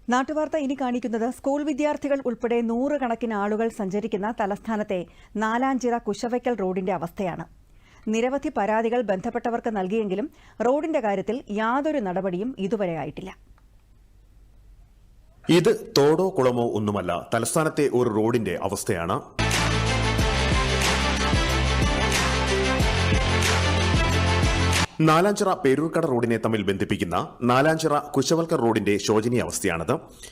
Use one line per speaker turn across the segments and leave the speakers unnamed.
നാട്ടുവാർത്ത ഇനി കാണിക്കുന്നത് സ്കൂൾ വിദ്യാർത്ഥികൾ ഉൾപ്പെടെ നൂറുകണക്കിന് ആളുകൾ സഞ്ചരിക്കുന്ന തലസ്ഥാനത്തെ നാലാഞ്ചിറ കുശവയ്ക്കൽ റോഡിന്റെ അവസ്ഥയാണ്. നിരവധി പരാതികൾ ബന്ധപ്പെട്ടവർക്ക് നൽകിയെങ്കിലും റോഡിന്റെ കാര്യത്തിൽ യാതൊരു നടപടിയും ഇതുവരെ ആയിട്ടില്ല.
ഇത് തോടോ കുളമോ ഒന്നുമല്ല, തലസ്ഥാനത്തെ ഒരു റോഡിന്റെ അവസ്ഥയാണ്. നാലാഞ്ചിറ പേരൂർക്കട റോഡിനെ തമ്മിൽ ബന്ധിപ്പിക്കുന്ന നാലാഞ്ചിറ കുശവൽക്കർ റോഡിന്റെ ശോചനീയാവസ്ഥയാണിത്.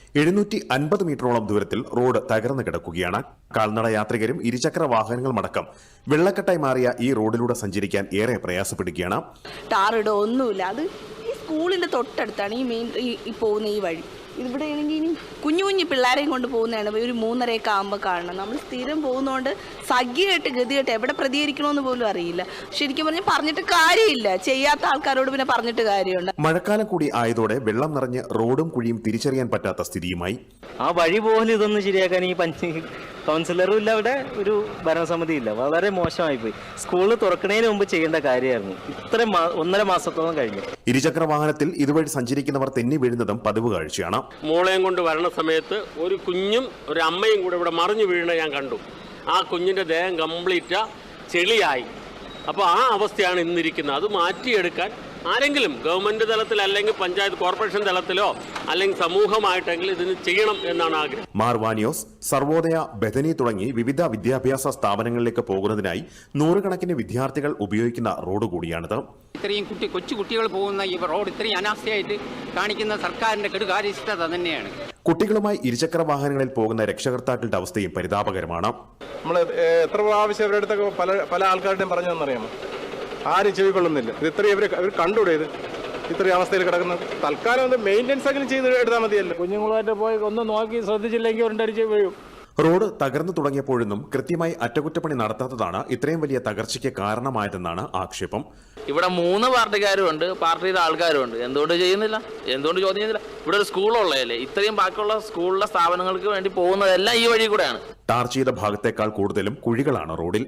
750 മീറ്ററോളം ദൂരത്തിൽ റോഡ് തകർന്നു കിടക്കുകയാണ്. കാൽനട യാത്രികരും ഇരുചക്ര വാഹനങ്ങളുമടക്കം വെള്ളക്കെട്ടായി മാറിയ ഈ റോഡിലൂടെ സഞ്ചരിക്കാൻ ഏറെ പ്രയാസപ്പെടുകയാണ്.
ടാറിടോ ഒന്നുമില്ല. അത് ഈ സ്കൂളിന്റെ തൊട്ടടുത്താണ് ഈ പോകുന്ന ഈ വഴി. ഇവിടെ ആണെങ്കിൽ ഇനി കുഞ്ഞു കുഞ്ഞു പിള്ളേരെയും കൊണ്ട് പോകുന്നതാണ്. ഒരു 3:30 ആകുമ്പോൾ കാണണം. നമ്മൾ സ്ഥിരം പോകുന്നതുകൊണ്ട് സഖ്യമായിട്ട് ഗതികെട്ട് എവിടെ പ്രതികരിക്കണമെന്ന് പോലും അറിയില്ല. ശരിക്കും പറഞ്ഞിട്ട് കാര്യമില്ല. ചെയ്യാത്ത ആൾക്കാരോട് പിന്നെ പറഞ്ഞിട്ട് കാര്യമുണ്ട്.
മഴക്കാലം കൂടി ആയതോടെ വെള്ളം നിറഞ്ഞ് റോഡും കുഴിയും തിരിച്ചറിയാൻ പറ്റാത്ത സ്ഥിതിയുമായി.
ആ വഴി പോലും ഇതൊന്നും ശരിയാക്കാൻ ഈ കൗൺസിലറും ഇല്ല, അവിടെ ഒരു ഭരണസമിതി ഇല്ല. വളരെ മോശമായി പോയി. സ്കൂള് തുറക്കുന്നതിന് മുമ്പ് ചെയ്യേണ്ട കാര്യമായിരുന്നു. ഇത്ര 1.5 മാസത്തോളം കഴിഞ്ഞു.
ഇരുചക്ര വാഹനത്തിൽ ഇതുവഴി സഞ്ചരിക്കുന്നവർ തെന്നി വീഴുന്നതും പതിവ് കാഴ്ചയാണ്.
മോളെയും കൊണ്ട് വരണ സമയത്ത് ഒരു കുഞ്ഞും ഒരു അമ്മയും കൂടെ ഇവിടെ മറിഞ്ഞു വീഴുന്നത് ഞാൻ കണ്ടു. ആ കുഞ്ഞിന്റെ ദേഹം കംപ്ലീറ്റ് ചെളിയായി. അപ്പോൾ ആ അവസ്ഥയാണ് ഇന്നിരിക്കുന്നത്. അത് മാറ്റിയെടുക്കാൻ ആരെങ്കിലും ഗവൺമെന്റ് തലത്തിൽ അല്ലെങ്കിൽ പഞ്ചായത്ത് കോർപ്പറേഷൻ തലത്തിലോ അല്ലെങ്കിൽ സമൂഹമായിട്ടെങ്കിലും ഇതിന് ചെയ്യണം എന്നാണ് ആഗ്രഹം.
മാർവാനിയോസ്, സർവോദയ, ബഥനി തുടങ്ങി വിവിധ വിദ്യാഭ്യാസ സ്ഥാപനങ്ങളിലേക്ക് പോകുന്നതിനായി നൂറുകണക്കിന് വിദ്യാർത്ഥികൾ ഉപയോഗിക്കുന്ന റോഡ് കൂടിയാണിത്.
ഇത്രയും കൊച്ചു കുട്ടികൾ പോകുന്ന ഈ റോഡ് ഇത്രയും അനാസ്ഥയായിട്ട് കാണിക്കുന്ന സർക്കാരിന്റെ കെടുകാര്യസ്ഥത തന്നെയാണ്.
കുട്ടികളുമായി ഇരുചക്ര വാഹനങ്ങളിൽ പോകുന്ന രക്ഷകർത്താക്കളുടെ അവസ്ഥയും പരിതാപകരമാണ്.
നമ്മൾ എത്ര പ്രാവശ്യം അവരുടെ അടുത്തൊക്കെ പല ആൾക്കാരുടെയും പറഞ്ഞതെന്നറിയാമോ? ആരും ചെവിക്കൊള്ളുന്നില്ല. ഇത് ഇത്രയും ഇവർ കണ്ടുകൂടെ? ഇത് ഇത്രയും അവസ്ഥയിൽ കിടക്കുന്നത്. തൽക്കാലം മെയിൻ്റെനൻസ് അങ്ങനെ ചെയ്ത് എടുത്താൽ മതിയല്ലോ.
കുഞ്ഞുങ്ങളുമായിട്ട് പോയി ഒന്ന് നോക്കി ശ്രദ്ധിച്ചില്ലെങ്കിൽ ഒരടിച്ച് വീഴും.
റോഡ് തകർന്നു തുടങ്ങിയപ്പോഴൊന്നും കൃത്യമായി അറ്റകുറ്റപ്പണി നടത്താത്തതാണ് ഇത്രയും വലിയ തകർച്ചയ്ക്ക് കാരണമായതെന്നാണ് ആക്ഷേപം.
ഇവിടെ 3 പാർട്ടിക്കാരും ഉണ്ട്, പാർട്ടിയുടെ ആൾക്കാരും ഉണ്ട്. എന്തുകൊണ്ട് ചെയ്യുന്നില്ല? എന്തുകൊണ്ട് ചോദ്യം ചെയ്യുന്നില്ല? ഇവിടെ ഒരു സ്കൂളുള്ളതല്ലേ? ഇത്രയും ബാക്കിയുള്ള സ്കൂളിലെ സ്ഥാപനങ്ങൾക്ക് വേണ്ടി പോകുന്നതെല്ലാം ഈ വഴി കൂടെയാണ്.
ടാർ ചെയ്ത ഭാഗത്തേക്കാൾ കൂടുതലും കുഴികളാണ് റോഡിൽ.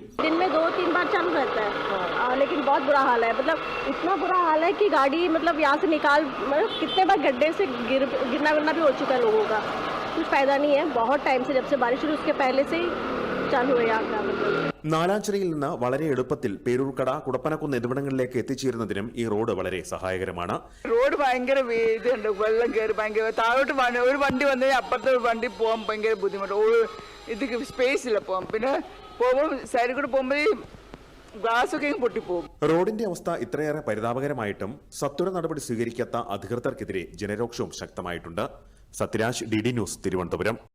लेकिन बहुत बुरा हाल है. मतलब इतना बुरा हाल है कि गाड़ी यहाँ से निकाल कितने बार गड्ढे से गिरना भी हो चुका है लोगों का. कुछ फायदा नहीं है. बहुत टाइम से जब से बारिश शुरू उसके पहले से ही चालू है यहाँ का.
നാലാഞ്ചിറയിൽ നിന്ന് വളരെ എളുപ്പത്തിൽ പേരൂർക്കട, കുടപ്പനക്കുന്ന് എന്നിവിടങ്ങളിലേക്ക് എത്തിച്ചേരുന്നതിനും ഈ റോഡ് വളരെ സഹായകരമാണ്.
റോഡ് ഭയങ്കര ഇതുണ്ട്. വെള്ളം കയറി ഭയങ്കര താഴോട്ട് ഒരു വണ്ടി വന്നു അപ്പുറത്തെ വണ്ടി പോകാൻ ഭയങ്കര ബുദ്ധിമുട്ട്. ഇത് സ്പേസ് ഇല്ല പോകാൻ. പിന്നെ പോകുമ്പോൾ സൈഡിൽ കൂടെ പോകുമ്പോൾ ഗ്ലാസൊക്കെ പൊട്ടിപ്പോകും.
റോഡിന്റെ അവസ്ഥ ഇത്രയേറെ പരിതാപകരമായിട്ടും സത്വര നടപടി സ്വീകരിക്കാത്ത അധികൃതർക്കെതിരെ ജനരോക്ഷവും ശക്തമായിട്ടുണ്ട്. Sathyaraj, DD news, Thiruvananthapuram.